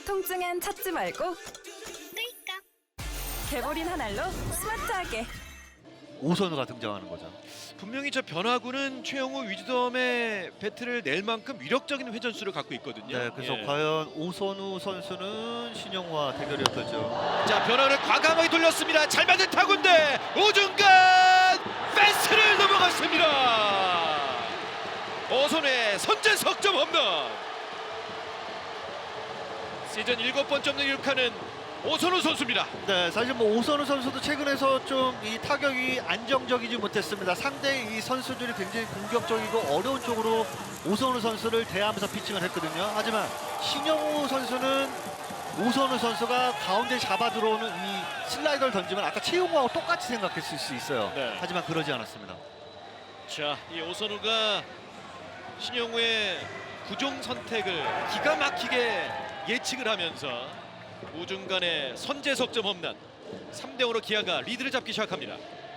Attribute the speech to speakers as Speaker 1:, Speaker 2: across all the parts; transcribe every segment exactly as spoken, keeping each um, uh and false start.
Speaker 1: 통증엔 찾지 말고 개보린 한 알로 스마트하게.
Speaker 2: 오선우가 등장하는 거죠.
Speaker 3: 분명히 저 변화구는 최영우 위즈덤의 배트를 낼 만큼 위력적인 회전수를 갖고 있거든요.
Speaker 2: 네, 그래서
Speaker 3: 예.
Speaker 2: 과연 오선우 선수는 신영우와 대결이었겠죠.
Speaker 3: 자, 변화를 과감하게 돌렸습니다. 잘 맞은 타구인데 우중간 펜스를 넘어갔습니다. 오선우의 선제 석점 홈런. 시즌 일곱 번째 홈런 기록하는 오선우 선수입니다.
Speaker 2: 네, 사실 뭐 오선우 선수도 최근에서 좀 이 타격이 안정적이지 못했습니다. 상대 이 선수들이 굉장히 공격적이고 어려운 쪽으로 오선우 선수를 대하면서 피칭을 했거든요. 하지만 신영우 선수는 오선우 선수가 가운데 잡아 들어오는 이 슬라이더를 던지면 아까 최용우하고 똑같이 생각했을 수 있어요.
Speaker 3: 네.
Speaker 2: 하지만 그러지 않았습니다.
Speaker 3: 자, 이 오선우가 신영우의 구종 선택을 기가 막히게 예측을 하면서 우중간의 선제 석점 홈런. 삼 대 오로 기아가 리드를 잡기 시작합니다.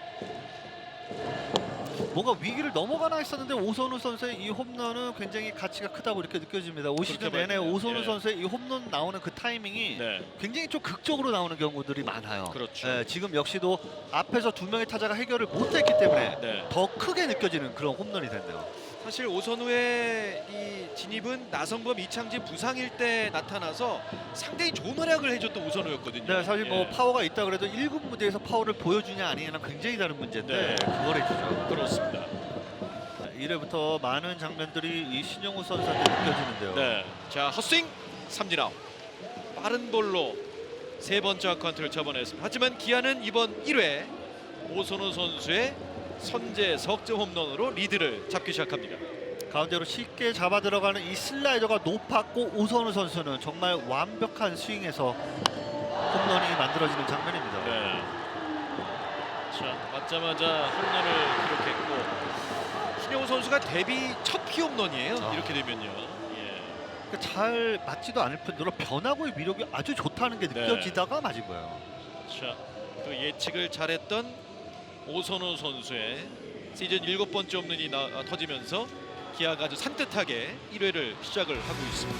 Speaker 2: 뭔가 위기를 넘어가나 했었는데 오선우 선수의 이 홈런은 굉장히 가치가 크다고 이렇게 느껴집니다. 올 시즌 내내
Speaker 3: 말이에요.
Speaker 2: 오선우
Speaker 3: 예.
Speaker 2: 선수의 이 홈런 나오는 그 타이밍이
Speaker 3: 네.
Speaker 2: 굉장히 좀 극적으로 나오는 경우들이 많아요.
Speaker 3: 그렇죠.
Speaker 2: 예, 지금 역시도 앞에서 두 명의 타자가 해결을 못했기 때문에
Speaker 3: 네.
Speaker 2: 더 크게 느껴지는 그런 홈런이 됐네요.
Speaker 3: 사실 오선우의 이 진입은 나성범, 이창진 부상일 때 나타나서 상당히 좋은 활약을 해줬던 오선우였거든요.
Speaker 2: 네, 사실 뭐
Speaker 3: 예.
Speaker 2: 파워가 있다 그래도 일 군 무대에서 파워를 보여주냐 아니냐는 굉장히 다른 문제인데
Speaker 3: 네.
Speaker 2: 그걸 해주죠.
Speaker 3: 그렇습니다.
Speaker 2: 일 회부터 많은 장면들이 이 신영우 선수한테 느껴지는데요.
Speaker 3: 네. 자, 헛스윙 삼진 아웃. 빠른 볼로 세 번째 아카운트를 접어냈습니다. 하지만 기아는 이번 일 회 오선우 선수의 선제 석점 홈런으로 리드를 잡기 시작합니다.
Speaker 2: 가운데로 쉽게 잡아 들어가는 이 슬라이더가 높았고 오선우 선수는 정말 완벽한 스윙에서 홈런이 만들어지는 장면입니다.
Speaker 3: 네. 자, 맞자마자 홈런을 기록했고 신영우 선수가 데뷔 첫 피홈런이에요.
Speaker 2: 아.
Speaker 3: 이렇게 되면요. 예.
Speaker 2: 그러니까 잘 맞지도 않을 뿐더러 변화구의 위력이 아주 좋다는 게
Speaker 3: 네.
Speaker 2: 느껴지다가 맞은 거예요.
Speaker 3: 자, 또 예측을 잘했던 오선우 선수의 시즌 일곱 번째 홈런이 나, 아, 터지면서 기아가 아주 산뜻하게 일 회를 시작을 하고 있습니다.